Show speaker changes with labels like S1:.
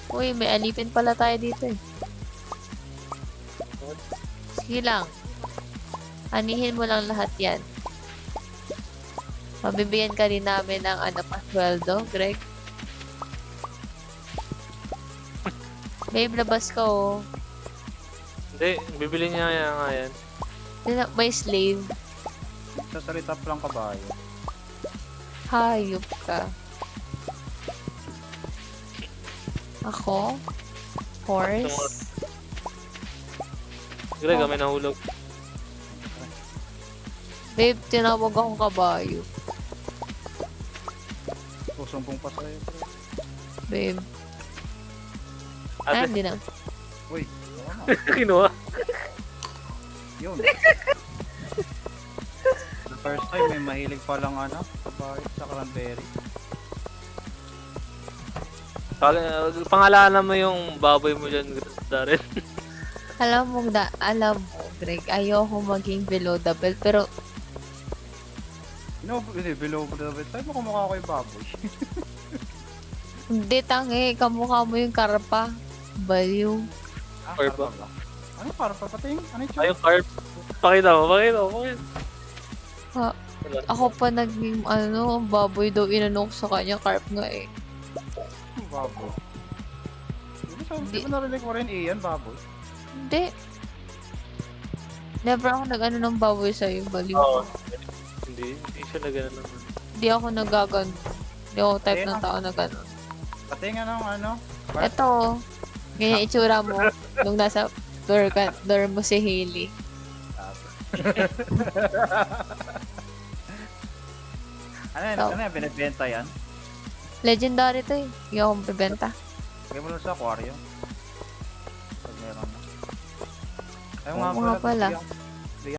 S1: Uy, may alipin pala tayo dito eh. Sige lang. Anihin mo lang lahat yan. Mabibigyan ka rin namin ng ano pa, sweldo, Greg. Babe, labas ka oh.
S2: Hindi, bibili niya nga yan.
S1: May slave.
S3: Sa salita pa lang kabayo.
S1: Hayop ka. Ako? Horse?
S2: Greg, may nahulog.
S1: Babe, tinawag akong kabayo.
S3: Susumbong pa sa'yo.
S1: Babe. Ah,
S2: Ate,
S1: hindi na.
S3: Uy, oo na.
S2: kinuha.
S3: Yun. The first time may mahilig palang ano, kabayo sa cranberry.
S2: Pangalanan mo yung baboy mo dyan, Darren.
S1: Alam mo, Greg, ayoko maging below the belt, pero
S3: Hindi, below the belt. Sabi mo kumukha ko yung baboy.
S1: hindi tangi, kamukha mo yung karpa. Baliw.
S2: Karpa.
S3: Ba? Ano karpa? Pating? Ano yung
S2: Ay, yung carp. Pakita mo.
S1: Ha, ako pa naging, baboy daw inanok sa kanya, carp nga eh.
S3: baboy? Di ba narinig mo rin Ian, baboy?
S1: Hindi. Never ako nag-ano ng baboy sa'yo, baliw.
S2: Oo. Hindi siya na gano'n naman.
S1: Hindi ako nagagano. Hindi ako type ng tao na gano'n.
S3: Pating anong ano?
S1: Eto, ganyan itsura mo nung nasa door mo si Hailey.
S3: Ano yan? Binibenta yan?
S1: Legendary to eh. Hindi ako mabibenta.
S3: Lagay mo lang sa aquarium. Pag meron na. Ayaw
S1: Oo nga pala.
S3: Bigyan-